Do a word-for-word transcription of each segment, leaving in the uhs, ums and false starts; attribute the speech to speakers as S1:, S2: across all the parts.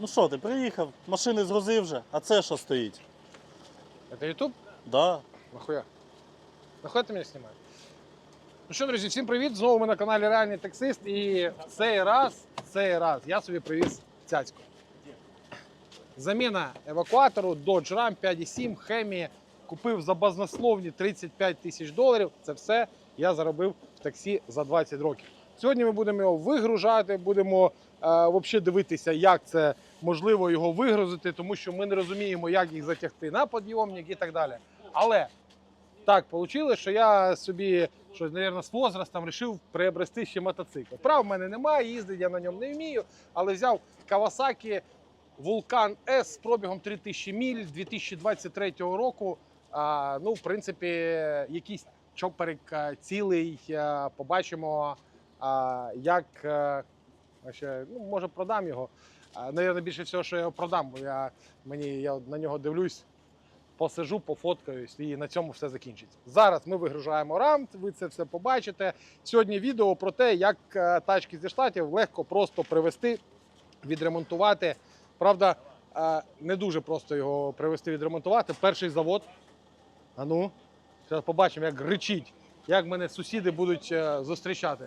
S1: Ну що, ти приїхав, машини згрузив вже, а це що стоїть?
S2: Это YouTube?
S1: Да.
S2: Нахуя? Нахуя ти мене знімаєш? Ну що, друзі, всім привіт! Знову ми на каналі Реальний Таксист. І в цей раз, в цей раз я собі привіз цяцьку. Заміна евакуатору Dodge Ram п'ять сім Hemi. Купив за базнословні тридцять п'ять тисяч доларів. Це все я заробив в таксі за двадцять років. Сьогодні ми будемо його вигружати, будемо е, взагалі дивитися, як це можливо його вигрузити, тому що ми не розуміємо, як їх затягти на підйомник і так далі. Але так вийшло, що я собі, щось, мабуть, з возрастом вирішив приобрести ще мотоцикл. Прав в мене немає, їздити я на ньому не вмію, але взяв Kawasaki Vulcan S з пробігом три тисячі миль дві тисячі двадцять третього року. А, ну, в принципі, якийсь чоперик цілий, побачимо, а, як, а, ще, ну, може продам його. А, навірно, більше всього, що я його продам, бо я, мені, я на нього дивлюсь, посижу, пофоткаюсь і на цьому все закінчиться. Зараз ми вигружаємо рам, ви це все побачите. Сьогодні відео про те, як тачки зі Штатів легко просто привезти, відремонтувати. Правда, не дуже просто його привезти, відремонтувати. Перший завод. А ну, зараз побачимо, як ричить, як мене сусіди будуть зустрічати.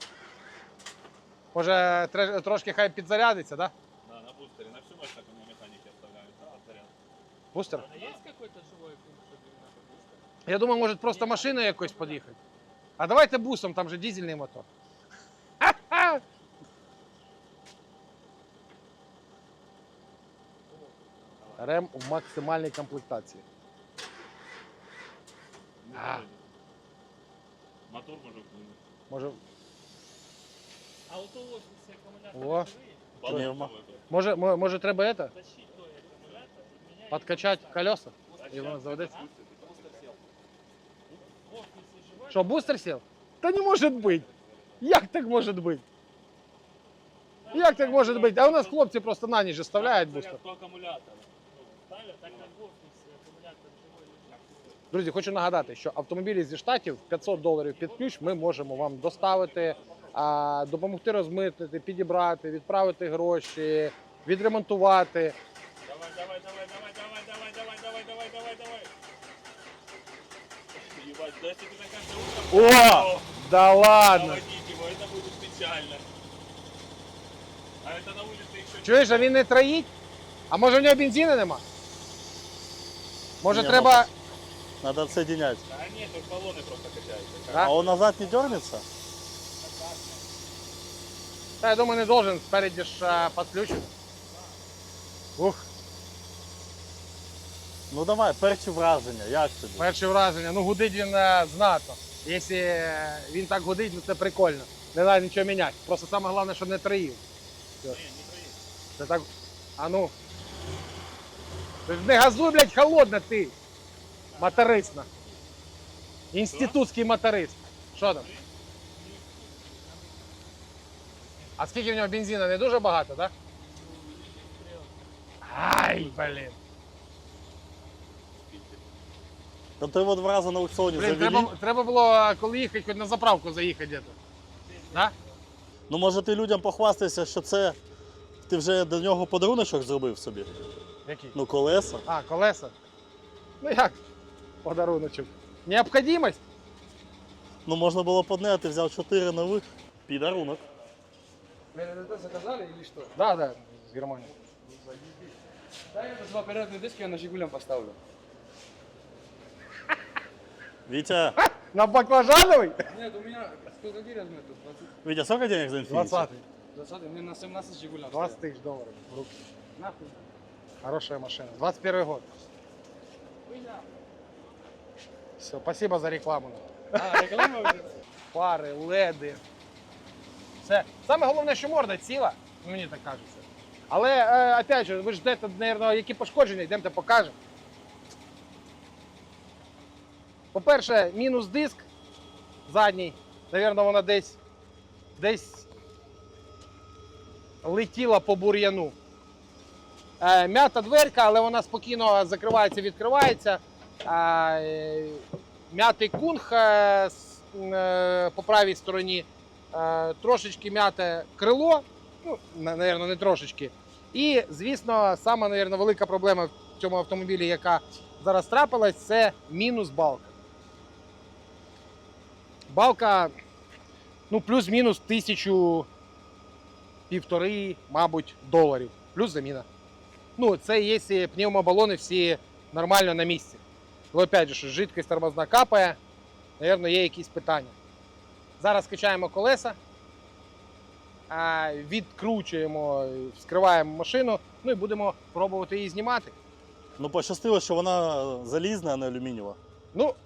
S2: Може, трошки хай підзарядиться, так?
S3: Да, на бустере, на всю мощь так у меня механики оставляют, да, заряд.
S2: Бустер?
S4: А есть какой-то живой пункт, чтобы именно бустер?
S2: Я думаю, може просто машиною якось під'їхати. А давайте бусом, там же дизельний мотор. Рем в максимальній комплектації.
S3: Не
S2: А.
S3: знаю. Мотор может вынуть.
S2: Може,
S4: А вот у вас все аккумуляторы
S2: О.
S4: живые?
S1: Пневмо.
S2: може, мо- може треба это?
S4: Тащить той аккумулятор, менять.
S2: Подкачати колеса? І воно заведеться?
S4: В офисе живой?
S2: Що, бустер сів? Та не може бути. Як так може бути? Як так може бути? А у нас хлопці просто на ніч оставляють бустер.
S3: Заряд по аккумулятору.
S4: Ставят, так как в офисе аккумулятор живой лежит.
S2: Друзі, хочу нагадати, що автомобілі зі Штатів п'ятсот доларів під ключ ми можемо вам доставити, а, допомогти розмитнити, підібрати, відправити гроші, відремонтувати.
S3: Давай, давай, давай, давай, давай, давай, давай, давай, давай, давай, давай. Ебать, да если ты на каждое утро...
S2: О! Да ладно!
S3: Заводить его, это будет печально. А это на улице еще...
S2: Чуєш, а він не троїть? А може в нього бензину нема? Може
S1: Ні,
S2: треба...
S1: Надо отсоединять.
S3: Да нет, тут баллоны просто качаются.
S2: Да?
S1: А он назад не дернется?
S2: Та, я думаю, не должен, спереді ж а, підключити. Ух,
S1: Ну давай, перші враження, як тобі?
S2: перше враження. Ну гудить він е, знатно. Якщо е, він так гудить, ну це прикольно. Не треба нічого міняти. Просто саме головне, щоб не троїв.
S3: Не, не проедет.
S2: Це так. А ну. Ти ж не газуй, блядь, холодно ти. Моторисна. Інститутський моторист. Що там? А скільки в нього бензину? Не дуже багато, так? Ай, блін.
S1: Та ти його два рази на аукціоні
S2: Блін,
S1: завели.
S2: треба, треба було, коли їхати, хоч на заправку заїхати десь. Да?
S1: Ну може ти людям похвастайся, що це ти вже до нього подаруночок зробив собі?
S2: Який?
S1: Ну колеса.
S2: А, колеса. Ну як? Подаруночок. Необхідність?
S1: Ну можна було б одне, а ти взяв чотири нових. Підарунок.
S5: МРД заказали или что?
S2: Да, да, з Германії.
S5: Да, я два передние диски я на Жигулям поставлю.
S1: Вітя,
S2: На баклажановий?
S5: Нет, у меня сколько гирь возьмет тут? двадцать?
S1: Вітя, сколько денег за Infiniti?
S2: двадцятий.
S5: двадцать? Мне на семнадцать Жигулям.
S2: двадцать тисяч доларів в руки.
S5: Нахуй.
S2: Хорошая машина. двадцать первый год. Все, спасибо за рекламу.
S5: А, реклама уже?
S2: Фари, леди. Все. Саме головне, що морда ціла, мені так кажеться. Але, е, опять же, ви ж ждете, мабуть, які пошкодження, йдемте покажемо. По-перше, мінус диск задній. Навірно, вона десь, десь летіла по бур'яну. Е, м'ята дверка, але вона спокійно закривається, відкривається. Е, м'ятий кунг е, е, по правій стороні. Трошечки м'яте крило, ну, напевно, не трошечки. І, звісно, сама, мабуть, велика проблема в цьому автомобілі, яка зараз трапилась, це мінус балка. Балка, ну, плюс-мінус тисячу, півтори, мабуть, доларів. Плюс заміна. Ну, це якщо пневмобалони всі нормально на місці. Але, опять же, що жидкість тормозна капає, мабуть, є якісь питання. Зараз качаємо колеса, відкручуємо, вскриваємо машину, ну і будемо пробувати її знімати.
S1: Ну, пощастило, що вона залізна, а не алюмінієва.
S2: Ну,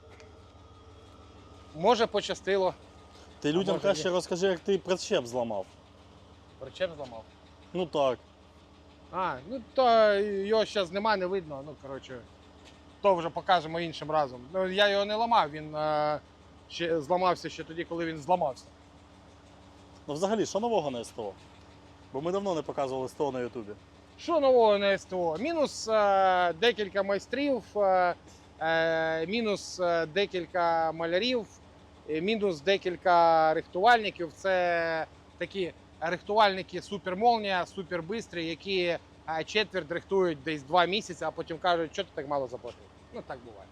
S2: може, пощастило.
S1: Ти людям
S2: може,
S1: краще
S2: ні.
S1: розкажи, як ти причеп зламав.
S2: Причеп зламав.
S1: Ну так.
S2: А, ну то його зараз нема, не видно. Ну, коротше, то вже покажемо іншим разом. Ну, я його не ламав, він е, ще зламався ще тоді, коли він зламався.
S1: Ну взагалі, що нового на СТО? Бо ми давно не показували СТО на Ютубі.
S2: Що нового на СТО? Мінус е, декілька майстрів, е, е, мінус е, декілька малярів, е, мінус декілька рихтувальників. Це такі рихтувальники супермолнія, супербистрі, які е, четверть рихтують десь два місяці, а потім кажуть, що ти так мало заплатив. Ну так буває.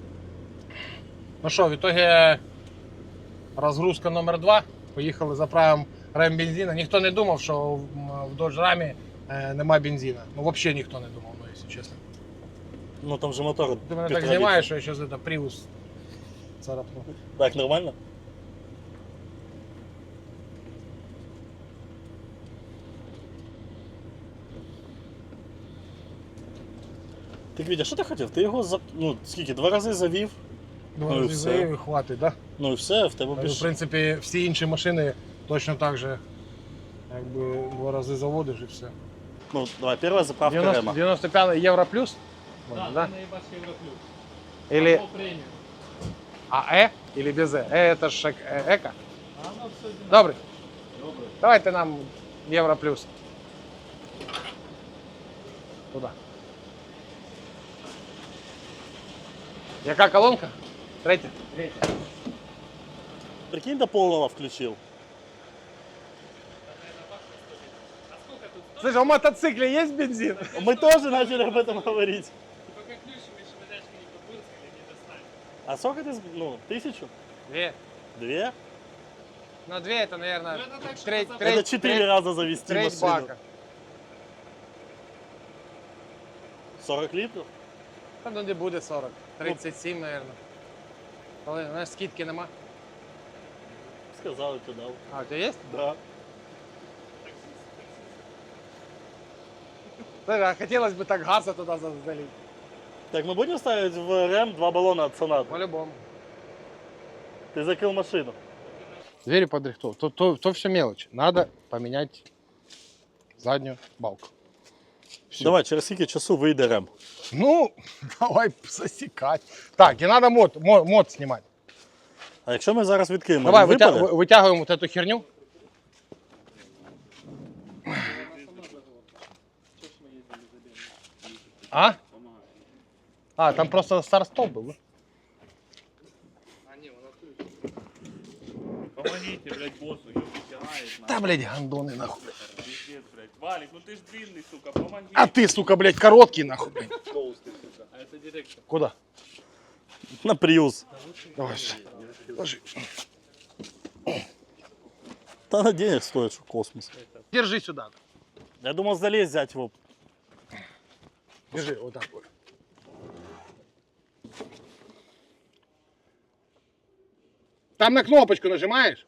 S2: Ну що, в ітогі розгрузка номер два. Поїхали, заправимо рем бензина. Ніхто не думав, що в в Dodge Ram е, нема бензина. Ну, взагалі ніхто не думав, ну, якщо чесно.
S1: Ну там же мотор.
S2: Ти мене так
S1: півтора
S2: знімаєш, що я зараз это Prius царапну.
S1: літра. Так, нормально? Так, Вітя, що ти хотів? Ти його за... ну, скільки, два рази завів,
S2: Два
S1: Ну і
S2: рази
S1: все.
S2: заїв і хватить, так?
S1: ну і все, в тебе
S2: Да? В
S1: більше.
S2: принципі, всі інші машини точно так же, якби два рази заводиш і все.
S1: Ну, давай, перша заправка Рема.
S2: девяносто пять Євро плюс?
S4: Да,
S2: Можно,
S4: да?
S2: да?
S4: наебашь Европлюс.
S2: Или
S4: Оно премиум.
S2: А Э или без Э? Э это ж э- эко.
S4: А оно все
S2: Добрый.
S4: Добрый.
S2: Давайте нам Євро плюс. Туда. Яка колонка? Третя? Третя.
S1: Прикинь, до полного включив.
S2: Слушай, а в мотоцикле есть бензин?
S1: Ми теж почали об этом говорити.
S4: Пока ключами швыдачка не попырскали, не достали.
S1: А сколько ти, з- ну, тисячу?
S2: Две.
S1: Две?
S2: Ну, две это, наверное,
S4: Ну, это так, что
S2: треть,
S4: это
S2: треть,
S1: Это четыре
S2: треть,
S1: раза завести
S2: треть
S1: машину.
S2: бака.
S1: сорок літрів?
S2: Та ну не буде сорок. тридцять сім, наверное. Коли, знаєш, скидки нема.
S1: Сказали, ти дав.
S2: А, у тебя есть?
S1: Да.
S2: Слушай, а хотелось бы так газа туда за- залить.
S1: Так, мы будем ставить в РЭМ два баллона от Сонаты?
S2: По-любому.
S1: Ты закрыл машину.
S2: Двери подрихтовал. То, то, то все мелочи. Надо поменять заднюю балку. Всё.
S1: Давай, через скільки часу вийде РЕМ?
S2: Ну, давай засекать. Так, и надо мод, мод, мод снимать.
S1: А якщо ми зараз відкриємо,
S2: Давай,
S1: він
S2: вытя-
S1: випаде?
S2: вы- вытягиваем вот эту херню. А? А, там просто старт-стоп был. да?
S3: Помогите, блядь, боссу, его вытягает.
S2: Да, блядь, гандоны нахуй.
S3: Пиздец, блядь. Валик, ну ты ж длинный, сука, помоги.
S2: А ты, сука, блядь, короткий нахуй, блядь.
S4: А это директор.
S2: Куда?
S1: На Prius.
S2: Давай, ложи.
S1: Та на денег стоит, що космос.
S2: Держи сюда.
S1: Я думал залезть взять его.
S2: Держи, вот так вот. Там на кнопочку нажимаешь?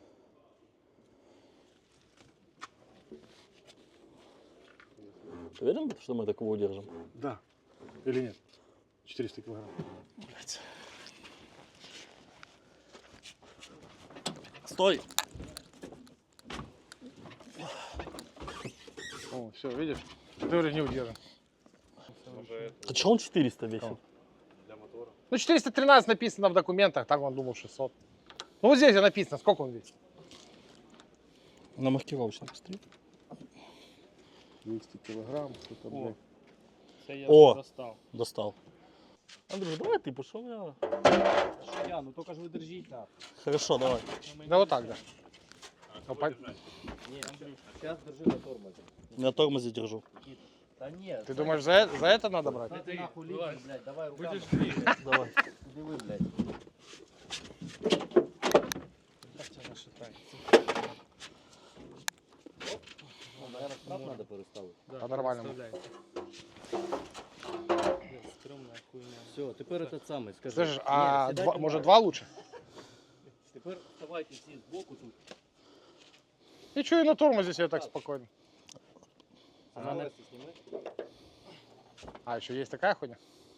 S1: Ты уверен, что мы такого удержим?
S2: Да. Или нет? четыреста килограмм.
S1: Блядь. Стой!
S2: О, все, видишь? Ты говоришь, не удержим.
S1: А чё он четыреста весит?
S2: Ну, четыреста тринадцать написано в документах, так он думал шестьсот. Ну, вот здесь написано, сколько он весит.
S1: На маркировочном стоит.
S2: двести килограмм, что-то,
S4: О. Це я
S1: О.
S4: вже достав.
S1: Достал. Андрюш, давай ты, пошел я.
S4: Що я? Ну тільки ж ви держіть так.
S1: Хорошо, давай.
S2: Да вот так, да. Ну, по-
S6: Сейчас держи на тормозе.
S1: На тормозе держу.
S6: Да нет.
S2: Ты думаешь, за, это- за это надо брать?
S6: Ты нахуй лезешь, блядь, давай руками.
S5: Будешь двигать.
S1: Давай.
S6: Куди ви, блядь? Ну, наверное, штраф надо переставити.
S2: По нормальному.
S4: Стрёмная хуйня.
S6: Все, тепер этот самий, скажи.
S2: Слышишь,
S6: Ні,
S2: а
S6: сідайте
S2: два,
S6: на-
S2: может два лучше?
S6: Тепер вставайте всі збоку тут.
S2: И что, и на тормозе себе так спокойно.
S6: А навести сніми.
S2: А, еще есть такая хуйня?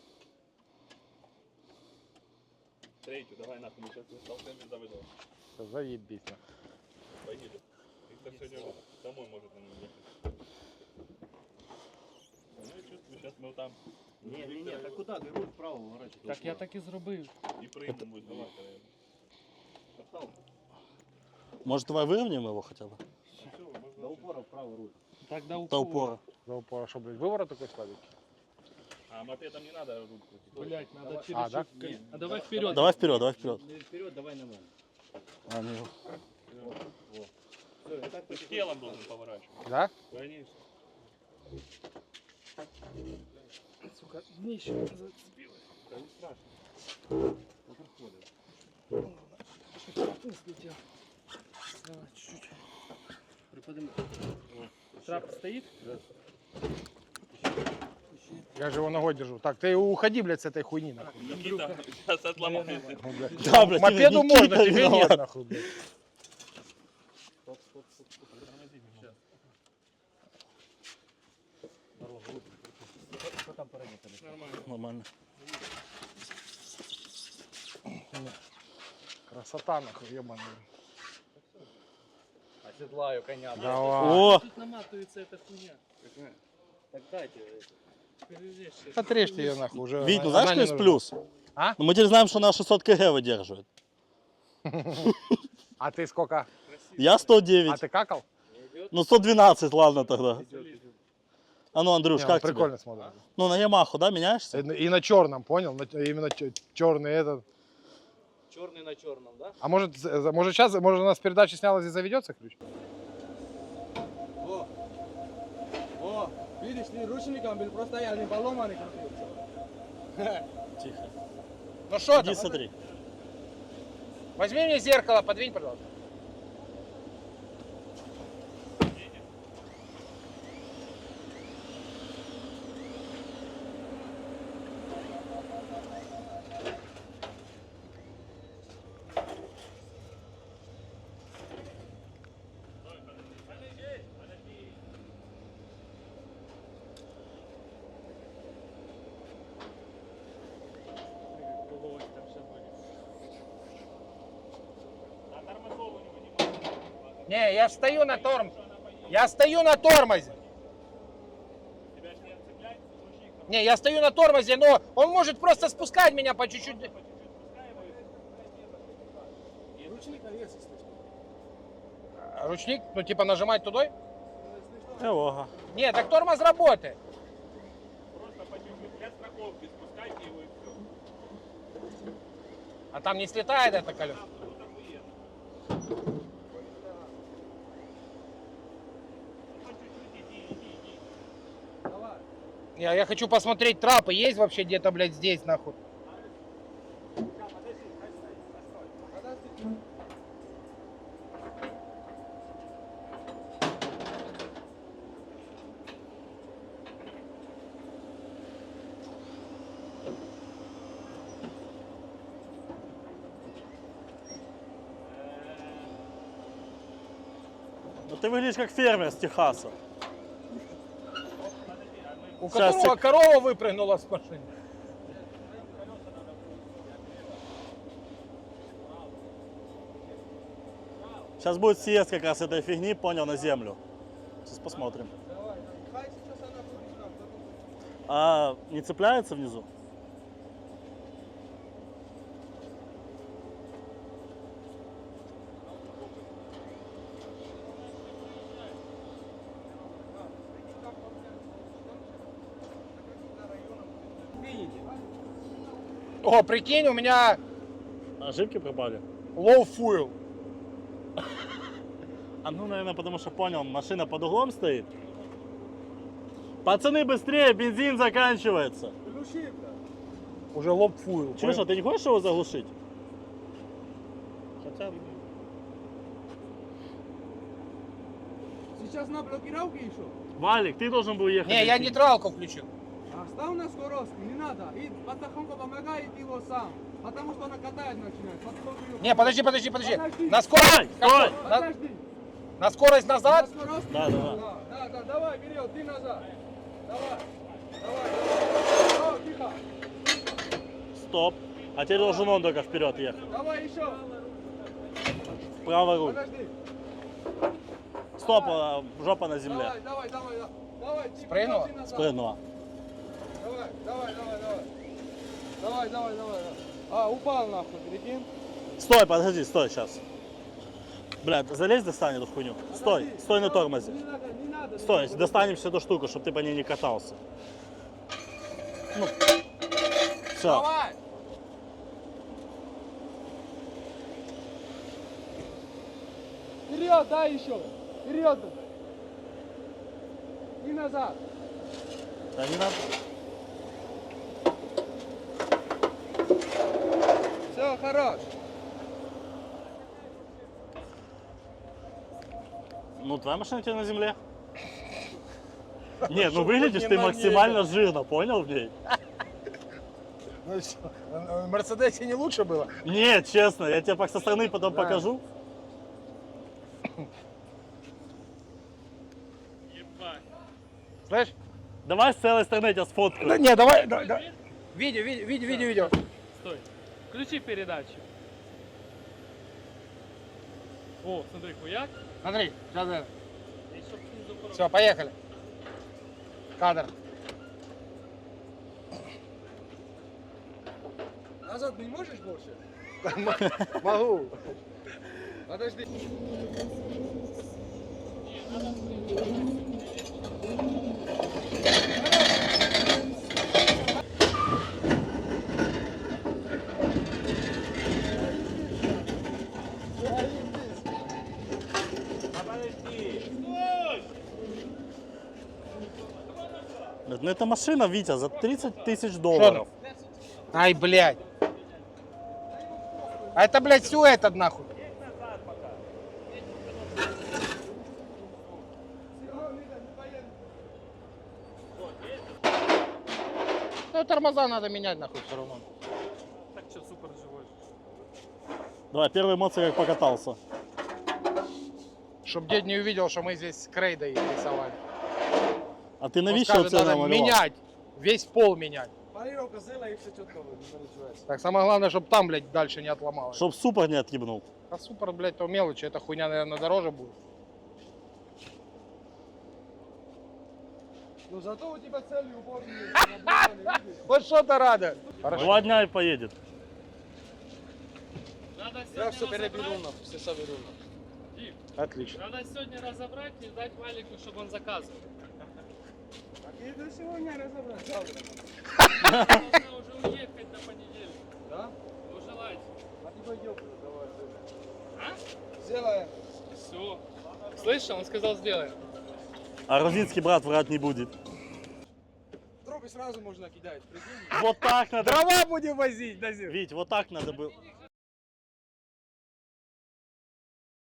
S3: Третью, давай нахуй, мы сейчас толкнем без завода.
S2: Всё, заебись. нахуй.
S3: Поедем. Их так сегодня домой может на нем ехать. Ну я чувствую, сейчас мы там
S6: Ні, ні, ні, так куди? Ти руль вправо ворочити.
S4: Так я так і зробив.
S3: и прыгнем будет. Давай, наверное. Осталось.
S1: Может, давай выровняем его хотя бы?
S6: До упора вправо руль.
S4: Так до
S1: До
S4: упора.
S1: упора.
S2: За упора, что, блядь, выворот такой сладенький?
S3: А мопедом не надо руль крутить.
S4: Блять, надо
S2: А,
S4: через
S2: да?
S4: щупка. А давай вперед.
S1: Давай вперед, давай вперед.
S6: Не вперед, давай на мене.
S1: А, не.
S6: Все, і так
S3: Ты ж телом должен поворачивать.
S2: Да?
S3: Конечно.
S4: Сука, днище зацепилось.
S3: Да не страшно.
S6: не проходить.
S4: Ты слетел. Давай, чуть-чуть.
S6: Припадемо.
S4: Трап стоит?
S2: Я же его ногой держу. Так, ты уходи, блядь, с этой хуйни, нахуй.
S3: Никита сейчас отломается.
S2: Ну, блядь.
S1: Да, блядь,
S2: Мопеду
S1: Никита
S2: можно, тебе
S1: виноват.
S2: нет, нахуй, блядь.
S6: Стоп, стоп, стоп, стоп. Тормози меня. Здорово, руль. Що там переднє тебе?
S4: Нормально.
S1: Нормально.
S2: Красота, нахуй, ебаный.
S6: Оседлаю коня.
S2: Давай.
S1: О,
S4: Тут наматывается эта хуйня.
S6: Так дайте.
S4: Перережь сейчас.
S2: Отрежьте ее, нахуй, уже.
S1: Вить, ну
S2: она
S1: знаешь,
S2: не
S1: что есть
S2: нужна.
S1: плюс?
S2: А?
S1: Ну, мы теперь знаем, что она шестьсот килограмм выдерживает.
S2: А ты сколько?
S1: Я сто
S2: А
S1: девять.
S2: ты какал?
S1: Ну, сто двенадцать, ладно тогда. А ну, Андрюш,
S2: Не,
S1: как
S2: он
S1: тебе?
S2: прикольно смотрится.
S1: Ну, на Ямаху, да, меняешься?
S2: И на черном, понял? На- Именно черный этот.
S6: Черный на черном, да?
S2: А может, за- может сейчас, может у нас передача снялась и заведется ключ?
S5: О, о, видишь, не ручником был, просто я не поломанный крутился.
S1: Тихо.
S2: Ну что
S1: Иди смотри.
S2: Возьми мне зеркало, подвинь, пожалуйста.
S4: Головой там все будет.
S3: А тормозов у него не
S2: Не, я стою на тормозе. Я стою на тормозе.
S3: Тебя же не отцепляет, ручник
S2: Не, я стою на тормозе, но он может просто спускать меня по чуть-чуть.
S5: Ручник навес, если что.
S2: Ручник, ну типа нажимать туда?
S1: Эвога.
S2: Не, так тормоз работает.
S3: просто по чуть-чуть для страховки спускайте его и все.
S2: А там не слетает это колесо.
S3: Ну там уедет. Ну, по чуть-чуть иди, иди, иди.
S5: Давай.
S2: Я, я хочу посмотреть, трапы есть вообще где-то, блядь, здесь, нахуй.
S1: Ну, ты выглядишь как фермер с Техаса.
S2: У
S1: Сейчас
S2: которого
S1: сек-
S2: корова выпрыгнула с машины.
S1: Сейчас будет съезд как раз этой фигни, понял, на землю. Сейчас посмотрим.
S5: Давай, хай сейчас она будет там, потом.
S1: А не цепляется внизу?
S5: Видите?
S2: О, прикинь, у меня
S1: Ошибки пропали.
S2: low fuel.
S1: А ну, наверное, потому что понял, машина под углом стоит. Пацаны, быстрее, бензин заканчивается.
S5: Глуши, бля.
S2: Уже лоб фуил.
S1: Чуешь, а ты не хочешь его заглушить? Хотя бы.
S5: Сейчас на блокировке еще.
S1: Валик, ты должен был ехать.
S2: Не, я
S1: идти.
S2: нейтралку включил.
S5: Оставь на скорости, не надо. И потихоньку помогай его сам. Потому что она катает начинает. Потом-
S2: Не, подожди, подожди, подожди.
S5: Подожди.
S2: На скорость.
S1: Стой, стой.
S2: На,
S5: Подожди.
S2: на скорость назад.
S5: На скорости.
S1: Да, да, да.
S5: Да, да, да, давай, вперед, ты назад. Давай, давай, давай. О, тихо.
S1: Стоп. А теперь должен он только вперед ехать.
S5: Давай еще.
S1: Право руль.
S5: Подожди.
S1: Стоп, а, жопа на земле.
S5: Давай, давай, давай. давай. Давай, тихо,
S2: Спрыгнула?
S5: ты назад.
S1: Спрыгнула.
S5: Давай, давай, давай, давай. Давай, давай, давай. давай. А, упал нахуй, прикинь.
S1: Стой, подожди, стой, сейчас. Блядь, залезь, достань эту хуйню. Стой,
S5: Подожди.
S1: стой на
S5: Стой,
S1: тормозе.
S5: Не надо, не надо.
S1: Стой, достанем всю эту штуку, чтобы ты по ней не катался. Ну, все.
S5: Давай. Вперед, дай еще. Вперед. И назад.
S1: Да не надо.
S5: Все, хорош.
S1: Ну, твоя машина у тебя на земле. Нет, ну
S2: Чтоб
S1: выглядишь
S2: не
S1: ты
S2: на ней,
S1: максимально жирно, понял в ней?
S2: Ну что, в Мерседесе не лучше было?
S1: Нет, честно, я тебе со стороны потом
S2: Да.
S1: покажу.
S4: Ебать.
S2: Слышь?
S1: Давай с целой стороны я тебя
S2: Да
S1: сфоткаю.
S2: не, давай, да, да. Видео, видео, видео, видео, видео.
S4: Стой. Включи передачу. О, смотри, хуяк.
S2: Смотри, сейчас это.
S4: И чтоб снизу порог.
S2: Все, поехали. Кадр.
S5: Назад не можешь больше?
S2: Могу.
S5: Подожди.
S1: Ну это машина, Витя, за тридцать тысяч долларов.
S2: Ай, блядь. А это, блядь, все этот нахуй. Ну, тормоза надо менять нахуй все равно.
S4: Так что, супер живой.
S1: Давай, первые эмоции, как покатался.
S2: Чтоб дед не увидел, что мы здесь с крейдой рисовали.
S1: А ты
S2: Он
S1: навіщо
S2: скажет,
S1: це
S2: надо
S1: намалював?
S2: менять. Весь пол менять.
S5: Полировка зела и все четко выглядит.
S2: Так, самое главное, чтобы там, блядь, дальше не отломалось.
S1: Чтоб супер не отъебнул.
S2: А супер, блядь, то мелочи. Эта хуйня, наверное, дороже будет.
S5: Ну зато у тебя целый упор есть.
S2: Вот что-то рада. Хорошо.
S1: Два дня и поедет.
S4: Надо
S5: Я
S4: сегодня
S5: все переберу,
S4: разобрать.
S5: нахуй, все соберу.
S4: Дим,
S2: Отлично.
S4: надо сегодня разобрать и дать Валику, чтобы он заказывал.
S5: А ты до сегодня разобрать, завтра.
S4: Нужно уже уехать на понедельник.
S5: Да?
S4: Ну, желайте.
S5: А ты пойдем, давай.
S4: А?
S5: Сделаем.
S4: Все. Слышал? Он сказал, сделаем.
S1: А грузинский брат врать не будет.
S5: Трубы сразу можно кидать, прикинь.
S1: Вот так надо.
S2: Дрова будем возить, Назир.
S1: Вить, вот так надо было.